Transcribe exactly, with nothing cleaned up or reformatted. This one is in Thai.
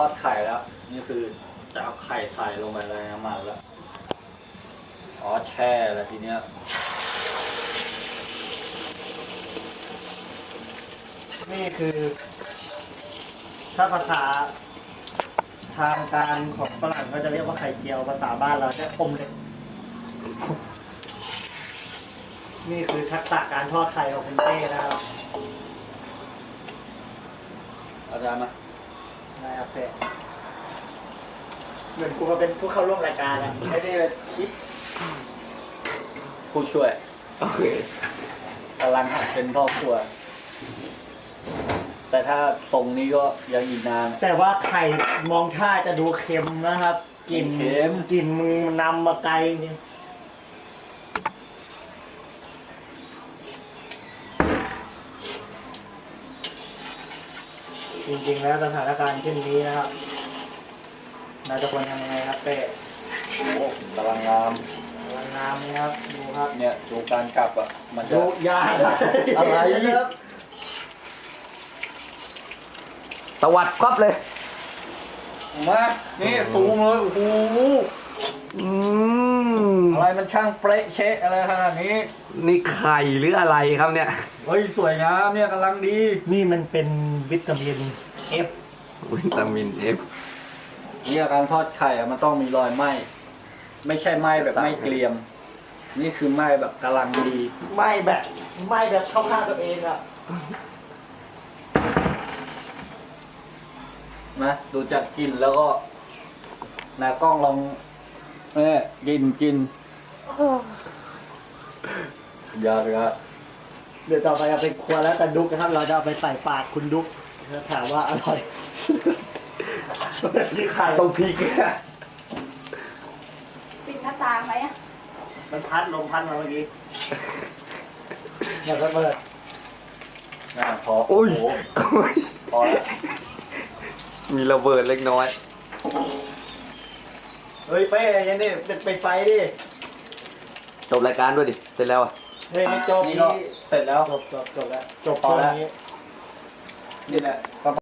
อดไข่แล้วนี่คือจะเอาไข่ใส่ลงไปในน้ำมันแล้วอ๋อแช่แล้วทีเนี้ยนี่คือถ้าภาษาทางการของฝรั่งก็จะเรียกว่าไข่เจียวภาษาบ้านเราจะอมเล็กนี่คือทักษะการทอดไข่ของคุณเต้นะครับอาจารย์มานายอาเปะเหมือนกูมาเป็นผู้เข้าร่วมรายการอะไม่ได้คิดผู้ช่วยโอเคกำลังหัดเป็นพ่อครัว แต่ถ้าทรงนี้ก็ยังอีกนานแต่ว่าไข่มองท่าจะดูเค็มนะครับกลิ่นเค็มกลิ่นมึงนำมาไกลจริงจริงๆแล้วสถานการณ์เช่นนี้นะครับเราจะควรทำยังไงครับเป้โอ้กำลังงามพลังงามนี่ครับดูครับเนี่ยดูการกลับอ่ะ มันจะดูยาอะไรครับตวัดครอบเลยมานี่สูงเลยโอ้โหอืมอะไรมันช่างเป๊ะเชะอะไรขนาดนี้นี่ไข่หรืออะไรครับเนี่ยเฮ้ยสวยงามเนี่ยกำลังดีนี่มันเป็นวิตามิน F วิตามินเอฟเนี่ยการทอดไข่อะมันต้องมีรอยไหม้ไม่ใช่ไหม้แบบไหม้เกรียม นี่คือไหม้แบบกำลังดีไม่แบบไม่แบบเข้าข้างตัวเองอ่ะนะดูจากกลิ่นแล้วก็นากล้องลองเนี่ยกินกินยากเลยอะเดี๋ยวต่อไปเอาไปครัวแล้วแต่ดุกนะครับ เราจะเอาไปใส่ปากคุณดุกแล้วถามว่าอร่อย นี่ไข่ต้องพริกเนี่ยปิดหน้าต่างไหมอ่ะมันพัดลมพัดมาเมื่อกี้อย่าระเบิดน่าพออุ้ยโโหโอ้ยพอแล้วมีระเบิดเล็กน้อยเฮ้ยเป้ยังนี่เป็นไปไฟดิจบรายการด้วยดิ เสร็จแล้วอ่ะเฮ้ยไม่จบนี่นี่ก็เสร็จแล้วจบจบจบแล้วจบพอตอนแล้วนี้นี่แหละ